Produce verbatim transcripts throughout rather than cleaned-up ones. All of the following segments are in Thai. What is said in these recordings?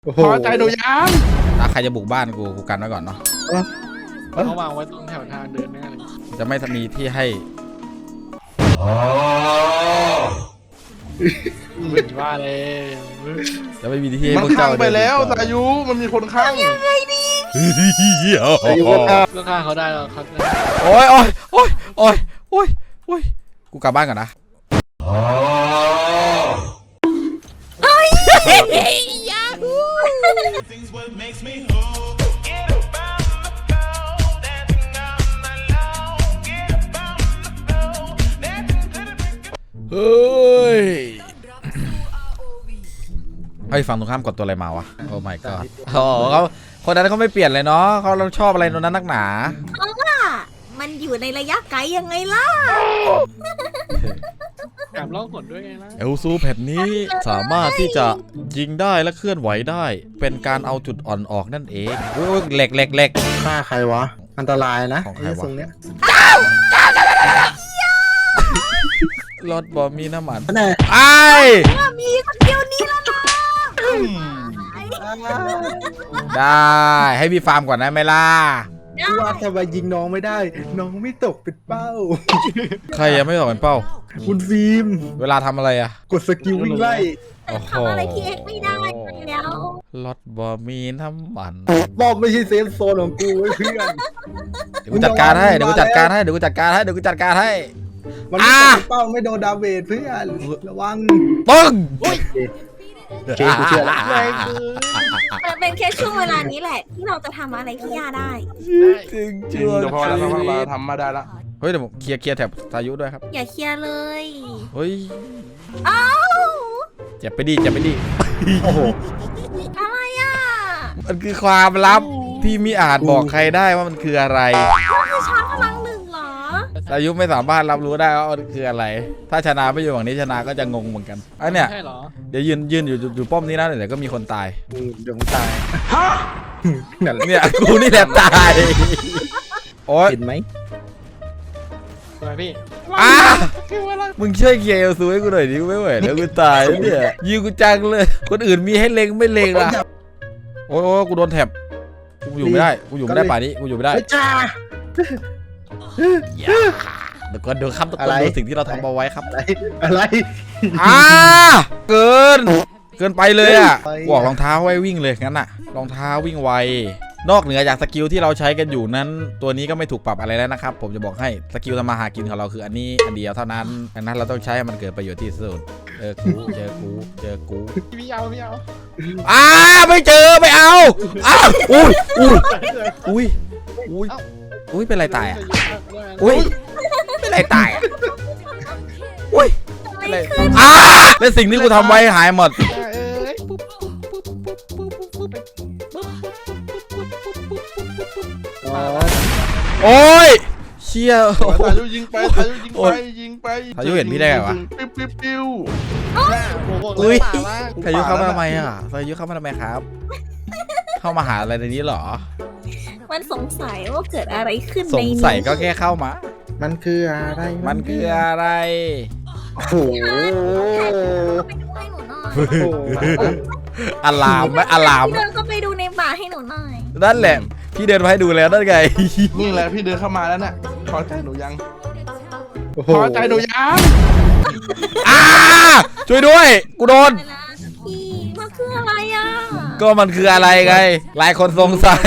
พอใจหนูยังถ้าใครจะบุกบ้านกูกูกันไว้ก่อนเนาะเขาวางไว้ตรงแถวทางเดินแน่เลยจะไม่มีที่ให้ว่าเลยจะไม่มีที่ให้มันข้างไปแล้วสายุมันมีคนข้างยังไงดีก็ข้างเขาได้แล้วครับโอ้ยโอ้ยโอ้ยโอ้ยโอ้ยโอ้ยกูกลับบ้านก่อนนะเฮ้ยไอ้ฝั่งตรงข้ามกดตัวอะไรมาวะโอ้ my god โอ้เขาคนนั้นเขาไม่เปลี่ยนเลยเนาะเขาเราชอบอะไรตรงนั้นนักหนาเพราะว่ามันอยู่ในระยะไกลยังไงล่ะกลับล่องหนด้วยไงล่ะเอลซูแผ่นนี้สามารถที่จะยิงได้และเคลื่อนไหวได้เป็นการเอาจุดอ่อนออกนั่นเองโอ้ยเหล็กเหล็กเหล็กฆ่าใครวะอันตรายนะของใครวะตรงเนี้ยรถบอมีน้ำมันไอ้มีสักเดียวนี้แล้วนะได้ให้พี่ฟาร์มก่อนได้ไหมล่ะว่าทำไมยิงน้องไม่ได้น้องไม่ตกเป็นเป้าใครยังไม่ตกเป็นเป้าคุณฟิล์มเวลาทำอะไรอะกดสกิลวิ่งไล่ทำอะไรที่เอ็กไม่ได้แล้วรถบอมีน้ำมันบอบไม่ใช่เซฟโซนของกูเพื่อนเดี๋ยวกูจัดการให้เดี๋ยวกูจัดการให้เดี๋ยวกูจัดการให้เดี๋ยวกูจัดการให้มันไม่ตกเป้าไม่โดนดาเมจเพื่อนระวังปึ้งเคกูเชื่อแล้วมันเป็นแค่ช่วงเวลานี้แหละที่เราจะทำอะไรที่ยาได้จริงจริงเดี๋ยวพอแล้วเราทำมาได้ละเฮ้ยเดี๋ยวเคลียร์เคลียร์แถบสายุด้วยครับอย่าเคลียร์เลยเฮ้ยอ้าวเจ็บไปดิเจ็บไปดิโอ้โหอะไรอ่ะมันคือความลับที่มิอาจบอกใครได้ว่ามันคืออะไรคือชาร์จพลังหนึ่งเหรอสายุไม่สามารถรับรู้ได้ว่ามันคืออะไรถ้าชนะไม่อยู่ฝั่งนี้ชนะก็จะงงเหมือนกันไอ้เนี่ยเดี๋ยวยืนยืนอยู่อยู่ป้อมนี้นะเดี๋ยวก็มีคนตายเดี๋ยวมึงตายเนี่ยกูนี่แหละตายโอ๊ยเห็นไหมอะไรพี่อ้ามึงช่วยเคลียร์ซูให้กูหน่อยดิกูไม่ไหวแล้วกูตายเนี่ยยิงกูจังเลยคนอื่นมีให้เล็งไม่เล็งล่ะโอ้ยกูโดนแถบกูอยู่ไม่ได้กูอยู่ไม่ได้ป่านี้กูอยู่ไม่ได้จ้าเดี๋ยวก่อนเดี๋ยวครับทุกคนดูสิ่งที่เราทำเอาไว้ครับอะไรอ่าเกินเกินไปเลยอ่ะบอกรองเท้าไว้วิ่งเลยงั้นอ่ะรองเท้าวิ่งไวนอกเหนือจากสกิลที่เราใช้กันอยู่นั้นตัวนี้ก็ไม่ถูกปรับอะไรแล้วนะครับผมจะบอกให้สกิลทำมาหากินของเราคืออันนี้อันเดียวเท่านั้นดังนั้นเราต้องใช้ให้มันเกิดประโยชน์ที่สุดเจอกูเจอกูเจอกูไม่เอาไม่เอาอ่าไม่เจอไม่เอาอ้าวอุ้ยอุ้ยอุ้ยอุ้ยอุ้ยเป็นไรตายอ่ะอุ้ยเป็นไรตายอ่ะอุ้ยอะไรอ่าแล้วสิ่งที่กูทำไว้หายหมดโอ้ยเชี่ยสายุยิงไปสายุยิงไปยิงไปสายุเห็นพี่ได้ไงวะปิ้วปิ้วปิ้วอุ้ยสายุเข้ามาทำไมอ่ะสายุเข้ามาทำไมครับเข้ามาหาอะไรในนี้หรอมันสงสัยว่าเกิดอะไรขึ้นในนี้สงสัยก็แค่เข้ามามันคืออะไรมันคืออะไรโอ้โหอลามไหมอลามพี่เดินก็ไปดูในป่าให้หนูหน่อยนั่นแหละพี่เดินมาให้ดูแล้วนั่นไงนี่แหละพี่เดินเข้ามาแล้วเนี่ยพอใจหนูยังพอใจหนูยังอ้าช่วยด้วยกูโดนพี่มันคืออะไรอ่ะก็มันคืออะไรไงหลายคนสงสัย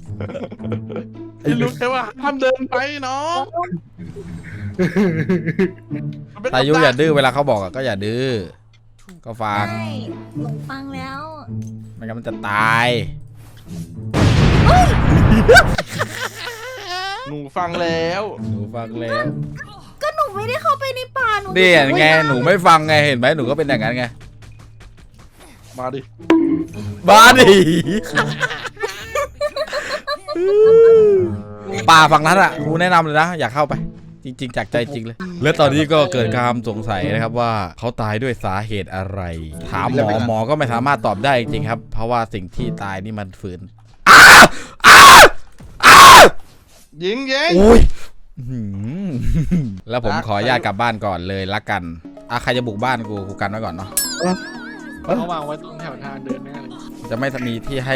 รู้แค่ว่าห้ามเดินไปเนาะสายุอย่าดื้อเวลาเขาบอกก็อย่าดื้อก็ฟังหนูฟังแล้วไม่งั้นมันจะตายหนูฟังแล้วหนูฟังแล้วก็หนูไม่ได้เข้าไปในป่าหนูนี่ไงหนูไม่ฟังไงเห็นไหมหนูก็เป็นอย่างนั้นไงมาดิมาดิป่าฝั่งนั้นอ่ะกูแนะนำเลยนะอยากเข้าไปจริงๆจากใจจริงเลยและตอนนี้ก็เกิดความสงสัยนะครับว่าเขาตายด้วยสาเหตุอะไรถามหมอหมอก็ไม่สามารถตอบได้จริงๆครับเพราะว่าสิ่งที่ตายนี่มันฝืนยิงยิงอุ้ยแล้วผมขออนุญาตกลับบ้านก่อนเลยละกันอ่ะใครจะบุกบ้านกูกูกันไว้ก่อนเนาะเขาวางไว้ตรงแถวทางเดินแน่เลยจะไม่มีที่ให้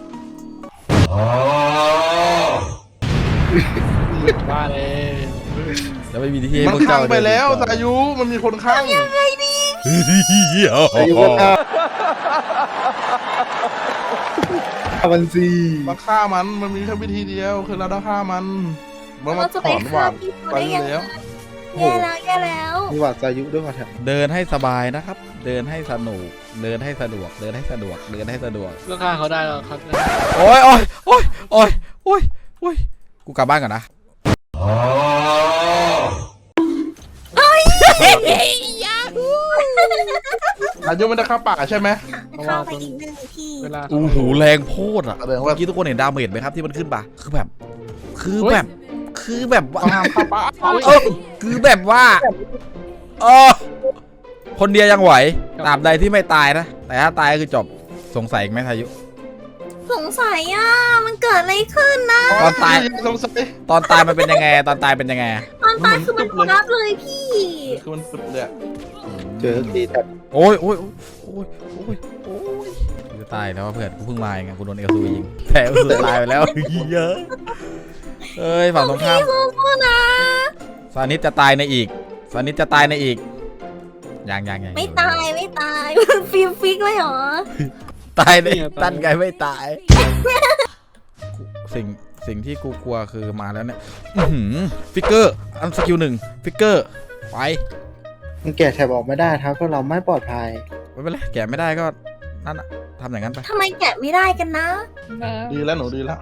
ว่าเลยจะไม่มีที่ให้มันพวกข้าเจ้างไปแล้วเดินสายุมันมีคนข้างอายุก็ฆ่ามันสิมาฆ่ามันมันมีแค่วิธีเดียวคือเราต้องฆ่ามันมันมาเราจะถไปอนหวาฆ่าดพี่เขาไปได้ยังไงแล้วแย่แล้วแย่แล้วมีหวัดอายุด้วยว่ะแถมเดินให้สบายนะครับ เดินให้สนุกเดินให้สะดวก เดินให้สะดวก เดินให้สะดวกเพื่อฆ่าเขาได้แล้วเขาจะโอ้ยโอ้ยโอ้ยโอ้ยโอ้ยโอ้ยกูกลับบ้านก่อนนะอายุมันจะเข้าป่าใช่ไหมเข้าไปอีกหนึ่งที่เวลาโอ้โหแรงโพดอ่ะแสดงเมื่ว่าอกี้ทุกคนเห็นดาเมจไหมครับที่มันขึ้นปะคือแบบ คือแบบ คือแบบว่าห้ามเข้าป่าเออคือแบบว่าเออคนเดียวยังไหวตราบใดที่ไม่ตายนะ แต่ถ้าตายก็คือจบสงสัยอีกไหมทายุสงสัยอ่ะมันเกิดอะไรขึ้นนะตอนตายสงสัยตอนตายมันเป็นยังไง ตอนตายเป็นยังไงตอนตายคือมันพับเลยพี่คือมันสุดเลยอะเจอตีแต่โอ้ยโอ้ยโอ้ยโอ้ยโอ้ยกูจะตายแล้วว่าเพื่อนกูเพิ่งมาเองอะกูโดนเอลซูยิงแต่เอลซูตายไปแล้วเยอะเอ้ยฝั่งตรงข้ามพี่สู้ๆนะซานิสจะตายในอีกซานิสจะตายในอีกยังยังยังไม่ตายไม่ตายมันฟิลฟิกเลยเหรอตายในตั้นไงไม่ตาย สิ่งสิ่งที่กูกลัวคือมาแล้วเนี่ยอื้อหือฟิกเกอร์อันสกิลหนึ่งฟิกเกอร์ไปมันแก่แถบออกไม่ได้ครับก็เราไม่ปลอดภัยไม่เป็นไรแกะไม่ได้ก็นั่นอะทำอย่างนั้นไปทำไมแกะไม่ได้กันนะดีแล้วหนูดีแล้ว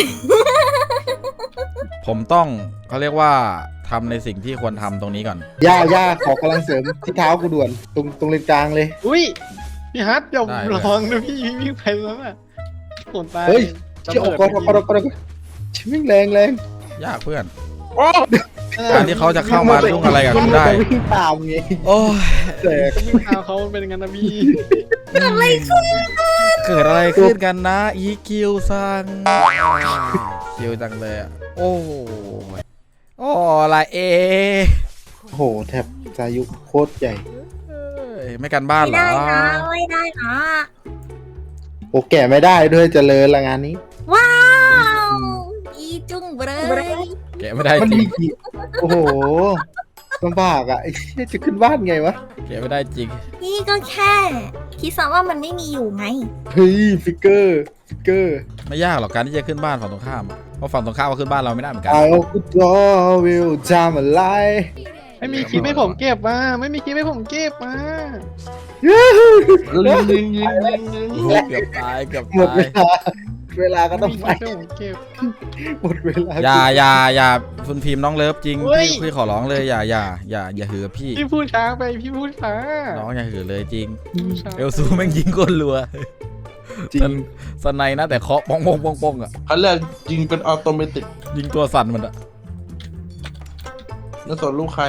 ผมต้องเขาเรียกว่าทำในสิ่งที่ควรทำตรงนี้ก่อนย่าย่าขอกำลังเสริมที่เท้ากูด่วน ตรงตรงเลนกลางเลยอุ้ยพี่ฮัทอย่าลองนะพี่วิ่งไปแล้วอ่ะคนตายเฮ้ยเชี่ยออกก่อนออกก่อนออกก่อนชิมิ่งแรงแรงยากเพื่อนโอ้การที่เขาจะเข้ามายุ่งอะไรกับกูได้มันวิ่งตามไงโอ้ยแต่จะวิ่งตามเขาเป็นงั้นนะพี่เกิดอะไรขึ้นเกิดอะไรขึ้นกันนะอีคิวซังคิวจังเลยอะโอ้ยโอ้ละเอโอ้โหแถบอายุโคตรใหญ่เอ้ยไม่กันบ้านไม่เหรอได้นะไม่ได้นะโอ้แก่ไม่ได้ด้วยเจริญละงานนี้ว้าวอีจุ้งเบรยแกะไม่ได้มันจริมีงกี่โอ้โหลำบากอ่ะไอ้เหี้ยจะขึ้นบ้านไงวะแกะไม่ได้จริงพี่ก็แค่คิดซะว่ามันไม่มีอยู่ไงเฮ้ยฟิกเกอร์ฟิกเกอร์ไม่ยากหรอกการที่จะขึ้นบ้านฝั่งตรงข้ามอะเพราะฝั่งตรงข้ามก็ขึ้นบ้านเราไม่ได้เหมือนกัน I could draw will jam a lie ไม่มีคลิปให้ผมเก็บมาไม่มีคลิปให้ผมเก็บมายิงยิงยิงยิงยิงเกือบตายเกือบหมดตาเวย ลา เวลาก็ต้องไม่ไปมีคลิปให้ผมเก็บหมดเวลาอย่าอย่าอย่าคุณพิมพ์น้องเลิฟจริงเฮ้ยพี่พี่ขอร้องเลยอย่าอย่าอย่าอย่าหือพี่พี่พูดช้าไปพี่พูดช้าน้องอย่าหือเลยจริงช้าเอลซูแม่งยิงก้นรัวจริงสไนนะแต่เคาะป้องป้องป้องป้องอ่ะเขาเรียกยิงเป็นออโตเมติกยิงตัวสั่นมันอ่ะนั่นส่วนลูกใคร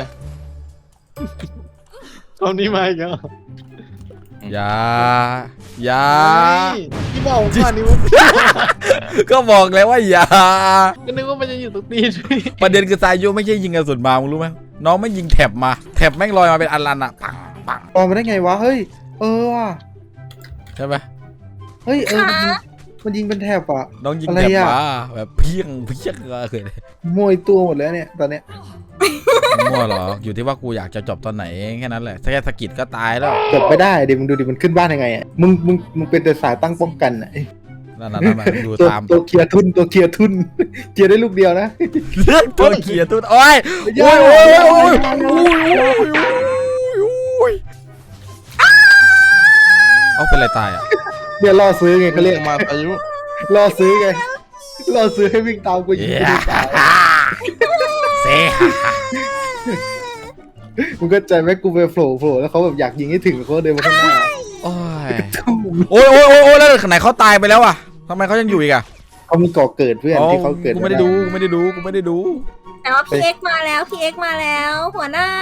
ตอนนี้มาอีกแล้วอย่าอย่าเฮ้ยพี่บอกผมก่อนนี่ว่าก็บอกแล้วว่าอย่าก็นึกว่ามันจะอยู่ตรงนี้ด้วยประเด็นคือสายโยไม่ใช่ยิงกระสุนมามึงรู้ไหมน้องไม่ยิงแถบมาแถบแม่งลอยมาเป็นอันลันอ่ะปังปังออกมาได้ไงวะ เฮ้ย เออว่ะใช่ไหมเฮ้ย เออ มันยิงมันยิงเป็นแถบอ่ะน้องยิงอะไรแถบอะมาแบบเพี้ยงเพี้ยงเลยมวยตัวหมดแล้วเนี่ย ตอนเนี้ยมั่วเหรออยู่ที่ว่ากูอยากจะจบตอนไหนแค่นั้นแหละแค่สะกิดก็ตายแล้วจบไม่ได้เดี๋ยวมึงดูดิ มันขึ้นบ้านยังไงอ่ะ มึง มึง มึงเป็นแต่สายตั้งป้องกันอ่ะนั่นนั่นๆๆดูตัวตามตัวเคลียร์ทุน ตัวเคลียร์ทุน เคลียร์ได้ลูกเดียวนะเลือกตัวเขียตุ้นโอ้ยโอ้ยโอ้ยโอ้ยโอ้ยโอ้ยเอาเป็นไรตายอ่ะเนี่ยล่อซื้อไงเขาเรียกมาอายุล่อซื้อไง ล่อซื้อให้วิ่งตามกูยิงกูดีตายเซ่มึงก็ใจไหมกูไปโผล่โผล่แล้วเขาแบบอยากยิงให้ถึงเขาเดินมาข้างหน้าโอ้ยโอ้ยโอ้ยโอ้ยโอ้ยแล้วไหนเขาตายไปแล้วอ่ะทำไมเขายังอยู่อีกอ่ะเขามีก่อเกิดเพื่อนที่เขาเกิดกูไม่ได้ดูกูไม่ได้ดูกูไม่ได้ดูแต่ว่าพี่เอ็กซ์มาแล้วพี่เอ็กซ์มาแล้ว หัวหน้า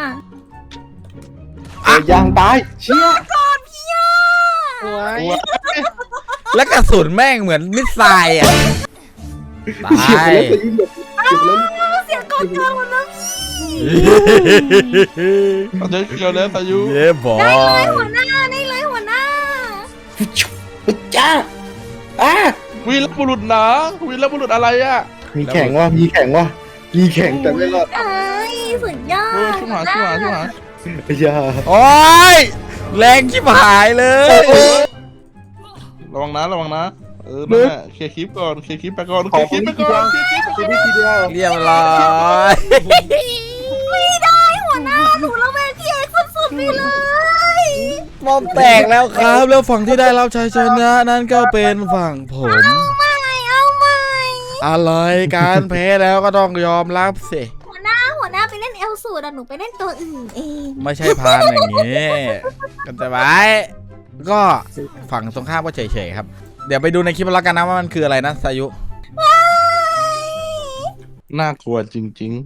เออยางตายเชี่ยก่อนพี่ย่าโอ้ยแล้วกระสุนแม่งเหมือนมิสไซล์อ่ะตาเฉียบยไปแล้วจะยิงแบบเฉียบแล้วเสียงก่อนเกินหมดแล้วพี่อายุเกี่ยวแล้วอายุเย้บอได้เลยยหัวหน้าได้เลยหัวหน้าจ้าอ่ะวีรบุรุษนะวีรบุรุษอะไรอ่ะมีแข่งว่ะมีแข่งว่ะมีแข่งแต่ไม่รอดเอ้ยสุดยอเออดช่วยหาช่วยหาช่วยหาอย่าโอ้ยแรงชิบหายเลยระวังนะระวังนะเออนั่นแหละเคลียร์คลิปก่อนเคลียร์คลิปไปก่อนเคลียร์คลิปไปก่อนเคลียร์คลิปไปก่อนทีนี้ทีเดียวเรียบร้อยไม่ได้หัวหน้าหนูระแวงพี่เอกสุดๆไปเลยมอมแตกแล้วครับ แล้วฝั่งที่ได้รับชัยชนะนั้นก็เป็นฝั่งผมไม่เอาไม่อะไรการแพ้แล้วก็ต้องยอมรับสิหัวหน้าหัวหน้าไปเล่นเอลสูดอะหนูไปเล่นตัวอื่นเองไม่ใช่พานอย่างนี้กันจะไว้ก็ฝั่งตรงข้ามก็เฉยๆครับ เดี๋ยวไปดูในคลิปแล้วกันนะว่ามันคืออะไรนะสายุน่ากลัวจริง ๆ